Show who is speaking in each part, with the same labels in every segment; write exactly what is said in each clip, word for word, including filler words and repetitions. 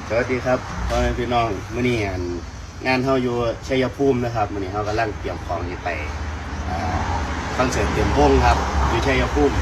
Speaker 1: สวัสดีครับพ่อแม่พี่น้องมื้อนี้งานงานเฮาอยู่ชัยภูมินะครับมื้อนี้เฮากำลังเตรียมของที่ไปคอนเสิร์ตเต็มวงครับอยู่ชัยภูมิ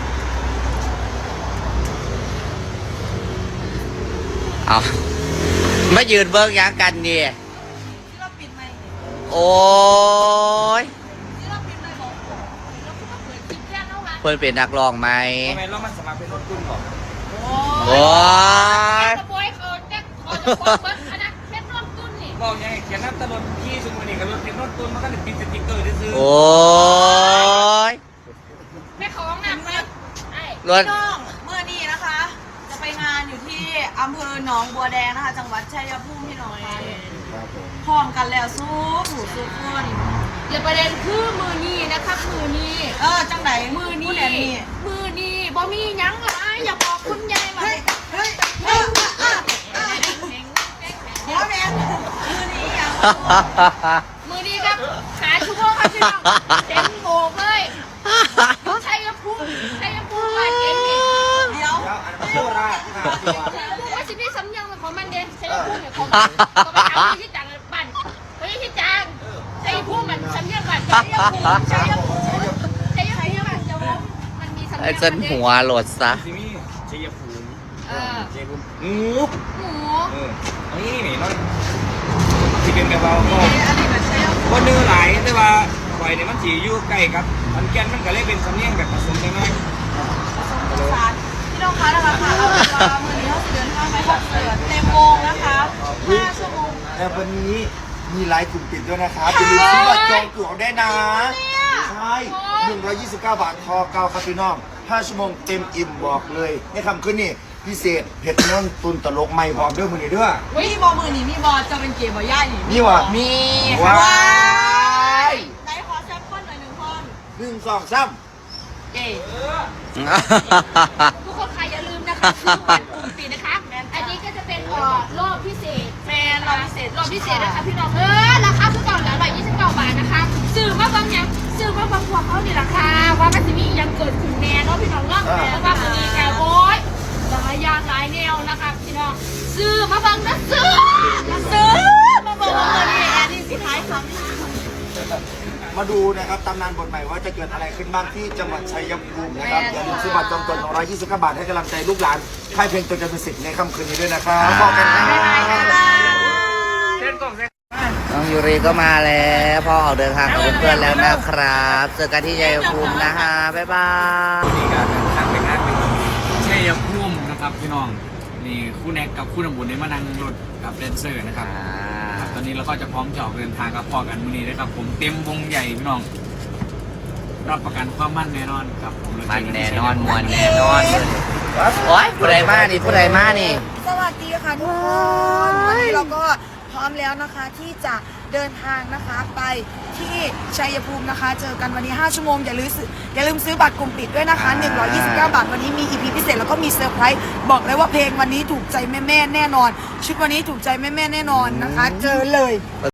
Speaker 2: เอามายืนเบิ้งยังกันนี่
Speaker 3: ที่เราปิดไมค์
Speaker 2: โอ้ย
Speaker 3: ที่เราปิดไมค์บอกเราคือมาเปิดคลิปแค่นั้นวะ
Speaker 2: เพื่อนเป็นนักร้องไหม
Speaker 4: ทำไมเรามันสมัครเป็นรถกุ้งก่อน
Speaker 2: โอ้ย
Speaker 3: กระบวยเขาเนี่ยเขาจะบอกเบิ้งอันนั้นเพชรร่วมตุ้นนี่
Speaker 4: บอกยังไงเขียนน้ำตะลนพี่ชุมวันนี้กับรถเป็นรถตุ้นมันก็เลยปิดสติ๊กเกอร์ได้ซื้อ
Speaker 2: โอ้ย
Speaker 3: แม่ของหนักไหมไอ้
Speaker 2: รถ
Speaker 5: น้องเมื่อนี้นะคะ จะไปงานอยู่ที่อำเภอหนองบัวแดงนะคะ จังหวัดชัยภูมิพี่น้องค่ะพร้อมกันแล้วสู้ผู้สู้คน
Speaker 3: เดี๋ยวประเด็นคือมือนี้นะครับมือนี้
Speaker 5: เออจังไหน
Speaker 3: มือนี้
Speaker 5: ผู้แดนนี่
Speaker 3: มือนี้บ่มีหยังหลายอย่าบอกคุณยายว่า
Speaker 5: เฮ้ยเฮ้ยเฮ้ยอ่ะอ่ะเดี๋ยวแม่มือนี้ยัง
Speaker 3: มือนี้ครับขาชั่วโมงครับพี่น้องเต็มโบกเลยชัยภูมิชัยภูมิมาเก่งนี่
Speaker 5: เดี๋ยว
Speaker 4: แล้วอันนั้นโคราชห้าตัว
Speaker 3: ว่าสิมีสำยังของมันเด่นใช่พูดเนี่ยของมันก็ไปถามที่จังบ้านเฮ้ยที่จังใช่พูดมันสำยังบ้านใช่พูดใช่พูดใช่พูดใช่พูดจะว่ามันมีสำยัง
Speaker 2: ไอ้เส้นหัวโหลดซะ
Speaker 4: ซิมี่ชัยภูมิ
Speaker 3: เออ
Speaker 4: ชัยภูมิงู
Speaker 3: หมู
Speaker 4: เออเอางี้นี่หน่อยที่เป็นกระเป๋าก็
Speaker 5: อันนี้แบบชัยภูมิ
Speaker 4: คนเนื้อหลายแต่ว่าไฟเนี่ยมันสีอยู่ใกล้ครับมันแกนมันก็เลยเป็นสำเนียงแบบผสมกันหน่อย
Speaker 5: สารพี่น้องคะนะคะค่ะเราจะมือนี้เราจะเดินทางไปคอนเสิร์ตเต็มวงนะคะห้าชั่วโมง
Speaker 6: แต่วันนี้มีไลฟ์กลุ่มปิดด้วยนะครับอย่าลืมซื้อบัตรจองตั๋วได้นะ ใช่หนึ่งร้อยยี่สิบเก้าบาทคอเก้าครับพี่น้องห้าชั่วโมงเต็มอิ่มบอกเลยในคำขึ้นนี่พิเศษเผ็ดน้นตุนตลกใหม่พร้อมด้วยมือนี้ด้วย
Speaker 5: มีบอมือนี่มีบอจะเป็นเกมบอย่านี่
Speaker 6: นี่วะ
Speaker 2: มี
Speaker 6: ว้าย
Speaker 5: ไหนขอแซมเปิลหน่อยหนึ่งคน
Speaker 6: หนึ่งสองสาม
Speaker 3: เอ๋ทุกคนค่ะอย่าลืมนะคะคือวันกลุ่มปิดนะคะอันนี้ก็จะเป็นเอ่อรอบพิเศษ
Speaker 5: แฟนเราพิเศษ
Speaker 3: รอบพิเศษนะคะพี่น้องเออราคาคือเก่าแล้วร้อยยี่สิบเก้าบาทนะคะซื้อมาบางอย่างซื้อมาบางพวกเขานี่ราคาว่ามันจะมียังเกิดขึ้นแน่เนาะพี่น้องเนาะเพราะว่ามันมีแกโอ้ยหลายอย่างหลายแนวนะคะพี่น้องซื้อมาบางนะซื้อซื้อมาบางว่าวันนี้แอนนี่สิท้ายคำ
Speaker 6: มาดูนะครับตำนานบทใหม่ว่าจะเกิดอะไรขึ้นบ้างที่จังหวัดชัยภูมินะครับอย่าลืมซื้อบัตรจองตั๋วหนึ่งร้อยยี่สิบเก้าบาทให้กำลังใจลูกหลานค่ายเพลงตัวจะเป็นสิทธิ์ในค่ำคืนนี้ด้วยนะครับบอกกันนะ
Speaker 4: เส้นกล่องเส้น
Speaker 2: น้องยูริก็มาแล้วพ่อออกเดินทางกับเพื่อนๆแล้วนะครับเจอกันที่ชัยภูมินะฮะบ๊ายบาย
Speaker 4: นี่การทางไปงานเป็นชัยภูมินะครับพี่น้องนี่คู่แน็กกับคู่นำบุญได้มานั่งรถกับแดนเซอร์นะครับ ตอนนี้เราก็จะพร้อมจะออกเดินทางกับพ่อกันมื้อนี้นะครับผมเต็มวงใหญ่พี่น้องรับประกันความมั่นแน่นอนครับผม
Speaker 2: มันแน่นอนมวนแน่นอนโอ้ยผู้ใดมานี่ผู้ใดมานี่
Speaker 5: สวัสดีค่ะทุกคนวันนี้เราก็พร้อมแล้วนะคะที่จะเดินทางนะคะไปที่ชัยภูมินะคะ เจอกันวันนี้ห้าชั่วโมงอย่าลืมซื้ออย่าลืมซื้อบัตรกลุ่มปิดด้วยนะคะหนึ่งร้อยยี่สิบเก้าบาทวันนี้มี อี พี พิเศษแล้วก็มีเซอร์ไพรส์บอกเลยว่าเพลงวันนี้ถูกใจแม่ๆแน่นอน ชุดวันนี้ถูกใจแม่ๆแน่นอนนะคะ เจอเลย